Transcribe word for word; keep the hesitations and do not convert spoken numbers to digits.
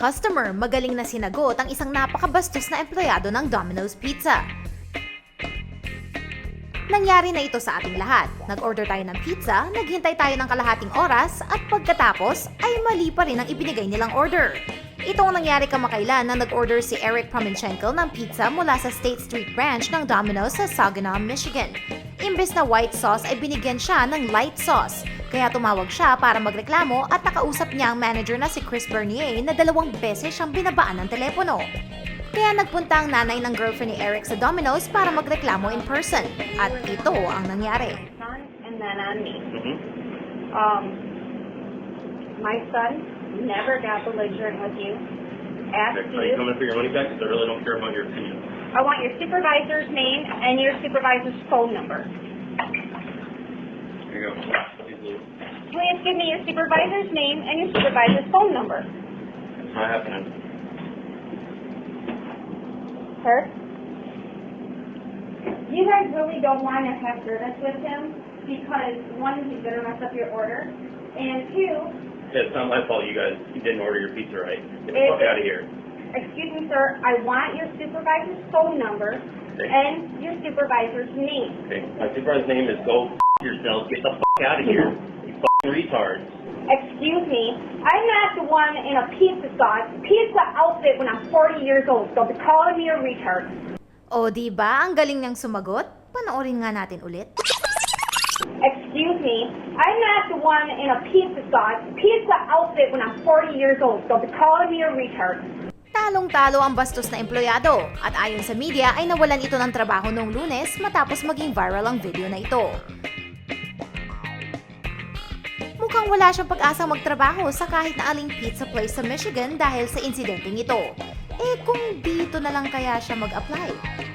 customer, magaling na sinagot ang isang napakabastos na empleyado ng Domino's Pizza. Nangyari na ito sa ating lahat. Nag-order tayo ng pizza, naghintay tayo ng kalahating oras, at pagkatapos ay mali pa rin ang ibinigay nilang order. Ito ang nangyari kamakailan na nag-order si Eric Prominchenko ng pizza mula sa State Street branch ng Domino's sa Saginaw, Michigan. Imbes na white sauce ay binigyan siya ng light sauce. Kaya tumawag siya para magreklamo at nakausap niya ang manager na si Chris Bernier na dalawang beses siyang binabaan ng telepono. Kaya nagpunta ang nanay ng girlfriend ni Eric sa Domino's para magreklamo in person. At ito ang nangyari. Son and then on me. Mm-hmm. Um, my son never got belligerent with you. Asked Are you you. coming for your money back? Because I really don't care about your opinion. I want your supervisor's name and your supervisor's phone number. Here you go. Please give me your supervisor's name and your supervisor's phone number. It's not happening. Sir? You guys really don't want to have service with him because, one, he's going to mess up your order, and two, Yeah, it's not my fault you guys you didn't order your pizza right. Get the It- fuck out of here. excuse me, sir, I want your supervisor's phone number Okay. and your supervisor's name. Okay. My supervisor's name is go f yourself. Get the fuck out of here. You fucking retards. Excuse me, I'm not the one in a pizza sauce, pizza outfit when I'm forty years old. Don't be calling me a retard. O di ba ang galing niyang sumagot? Panoorin nga natin ulit. Excuse me, I'm not the one in a pizza sauce, pizza outfit when I'm forty years old. Don't be calling me a retard. Talong-talo ang bastos na empleyado at ayon sa media ay nawalan ito ng trabaho noong Lunes matapos maging viral ang video na ito. Mukhang wala siyang pag-asang magtrabaho sa kahit na aling pizza place sa Michigan dahil sa insidenteng ito. Eh kung dito na lang kaya siya mag-apply?